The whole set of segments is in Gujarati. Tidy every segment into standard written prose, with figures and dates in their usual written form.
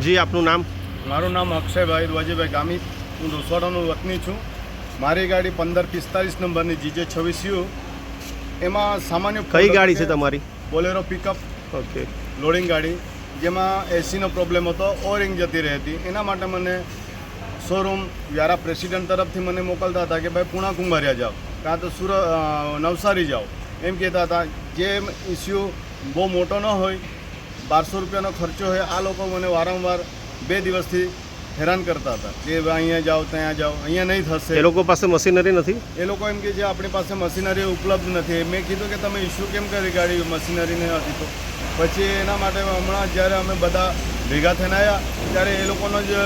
જી, આપનું નામ? મારું નામ અક્ષયભાઈ રવાજીભાઈ ગામી, હું દોસવાડાનો વતની છું. મારી ગાડી 1545 નંબરની GJ26U, એમાં સામાન્ય કઈ ગાડી છે તમારી? Bolero pickup. ઓકે. લોડિંગ ગાડી, જેમાં એસીનો પ્રોબ્લેમ હતો, ઓરિંગ જતી રહી હતી. એના માટે મને શોરૂમ વ્યારા પ્રેસિડેન્ટ તરફથી મને મોકલતા હતા કે ભાઈ પૂણા કુંભારિયા જાઓ, કાં તો નવસારી જાઓ, એમ કહેતા હતા. જે ઇસ્યુ બહુ મોટો ન હોય, 1200 રૂપિયાનો ખર્ચો હોય, આ લોકો મને વારંવાર 2 દિવસથી હેરાન કરતા હતા કે અહીંયા જાઓ ત્યાં જાઓ, અહીંયા નહીં થશે. એ લોકો પાસે મશીનરી નથી? એ લોકો એમ કે જે આપણી પાસે મશીનરી ઉપલબ્ધ નથી. મેં કીધું કે તમે ઇસ્યુ કેમ કરી ગાડી મશીનરી નથી? તો પછી એના માટે હમણાં જ્યારે અમે બધા ભેગા થઈને આવ્યા ત્યારે એ લોકોનો જ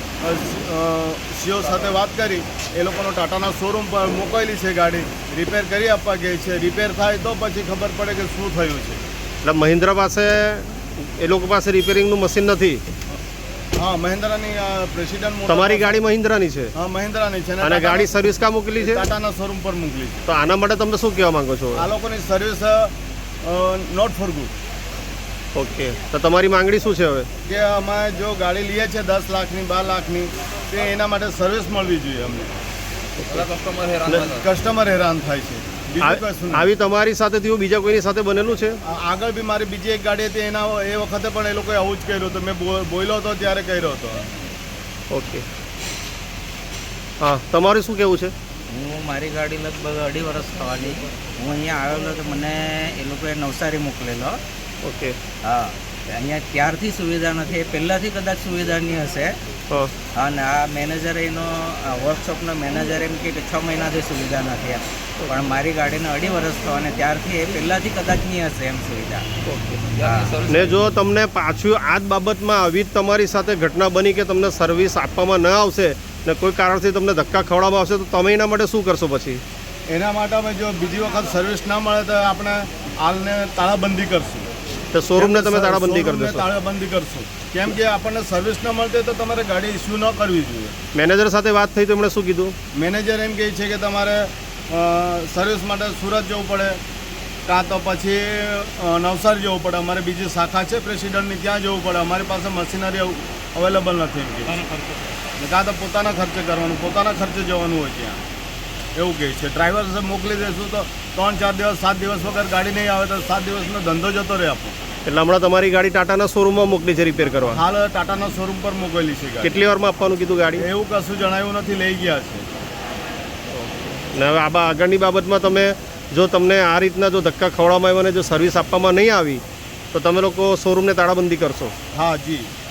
સીઓ સાથે વાત કરી, એ લોકોનો ટાટાના શોરૂમ પર મોકલેલી છે ગાડી, રિપેર કરી આપવા ગઈ છે. રિપેર થાય તો પછી ખબર પડે કે શું થયું છે. એટલે મહિન્દ્રા પાસે, એ લોકો પાસે રિપેરિંગનું મશીન નથી? હા, મહિન્દ્રાની પ્રેસિડેન્ટ. તમારી ગાડી મહિન્દ્રાની છે? હા, મહિન્દ્રાની છે. અને ગાડી સર્વિસ કા મોકલી છે? ટાટાના શોરૂમ પર મોકલી છે. તો આના માટે તમે શું કહેવા માંગો છો? આ લોકોની service not for good. Okay, તો તમારી માંગણી શું છે હવે? કે અમે જો ગાડી લઈએ છીએ 10 લાખની 12 લાખની, તે એના માટે સર્વિસ મળવી જોઈએ અમને. કસ્ટમર હેરાન થાય છે. આવી તમારી સાથે થયું, બીજા કોઈની સાથે બનેલું છે? આગળ બી મારી બીજી એક ગાડી હતી, એના એ વખતે પણ એ લોકોએ આવું જ કર્યું હતું. મેં બોલ્યો હતો ત્યારે કર્યો હતો. ઓકે, હા, તમારું શું કહેવું છે? હું મારી ગાડી લગભગ 2.5 વર્ષ થવાની. હું અહીંયા આવેલો તો મને એ લોકોએ નવસારી મોકલેલો. ઓકે. હા, અહીંયા ત્યારથી સુવિધા નથી, પહેલાંથી કદાચ સુવિધાની હશે. અને આ મેનેજર, એનો વર્કશોપનો મેનેજર એમ કે 6 મહિનાથી સુવિધા નથી. પણ મારી ગાડીને 2.5 વર્ષ થવા અને ત્યારથી એ પહેલાંથી કદાચ નહીં હશે એમ સુવિધા. ને જો તમને પાછું આ જ બાબતમાં આવી જ તમારી સાથે ઘટના બની કે તમને સર્વિસ આપવામાં ન આવશે ને કોઈ કારણથી તમને ધક્કા ખવડાવવામાં આવશે, તો તમે એના માટે શું કરશો પછી? એના માટે અમે જો બીજી વખત સર્વિસ ના મળે તો આપણે હાલને તાળાબંધી કરશું. તો શોરૂમને તમે તાળાબંધી કરી દેશો? તાળાબંધી કરશું, કેમ કે આપણને સર્વિસ ન મળતી તો તમારે ગાડી ઇસ્યુ ન કરવી જોઈએ. મેનેજર સાથે વાત થઈ તો એમણે શું કીધું? મેનેજર એમ કહે છે કે તમારે સર્વિસ માટે સુરત જવું પડે, કાં તો પછી નવસારી જવું પડે. અમારે બીજી શાખા છે પ્રેસિડેન્ટની, ત્યાં જવું પડે. અમારી પાસે મશીનરી અવેલેબલ નથી એમ કે, કાં તો પોતાના ખર્ચે કરવાનું, પોતાના ખર્ચે જવાનું હોય ત્યાં, એવું કહે છે. ડ્રાઈવર મોકલી દઈશું તો 3-4 દિવસ 7 દિવસ વગર ગાડી નહીં આવે તો 7 દિવસનો ધંધો જતો રહે આપણો. એટલે હમણાં તમારી ગાડી ટાટાના શોરૂમમાં મોકલી છે રિપેર કરવા? હાલ ટાટાના શોરૂમ પર મોકલેલી છે ગાડી. કેટલી વારમાં આપવાનું કીધું ગાડી? એવું કશું જણાવ્યું નથી, લઈ ગયા છે. ને હવે આ આગળની બાબતમાં તમે, જો તમને આ રીતના જો ધક્કા ખવડાવવામાં આવ્યા અને જો સર્વિસ આપવામાં નહીં આવી તો તમે લોકો શોરૂમને તાળાબંધી કરશો? હા જી.